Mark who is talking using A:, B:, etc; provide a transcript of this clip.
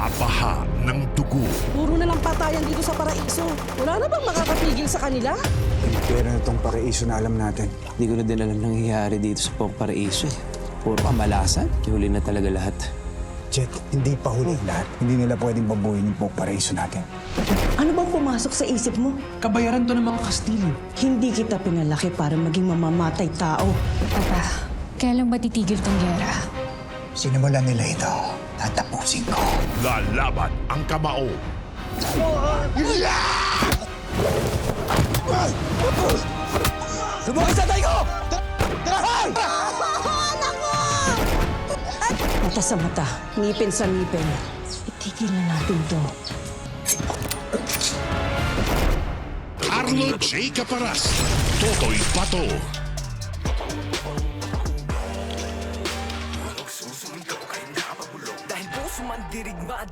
A: Nababaha ng dugo.
B: Puro na lang patayan dito sa paraiso. Wala na bang makakapigil sa kanila?
C: Yung pera na itong paraiso na alam natin.
D: Hindi ko na din alam nangyayari dito sa Paraiso eh. Puro kamalasan. Huli na talaga lahat.
C: Jet, hindi pa huli lahat. Hindi nila pwedeng babuhin yung paraiso natin.
B: Ano bang pumasok sa isip mo?
D: Kabayaran to ng mga Kastilyo.
B: Hindi kita pinalaki para maging mamamatay tao.
E: Papa, kailan ba titigil tong gera?
C: Sinimulan nila ito. Tatapusin ko.
A: Lalaban ang kamao.
C: Subukan sa tayo ko! Tarahan!
B: Mata sa mata, ngipin sa ngipin. Itigil na natin to.
A: Arlo J. Caparas. Totoy Pato.
F: Dahil puso man dirigma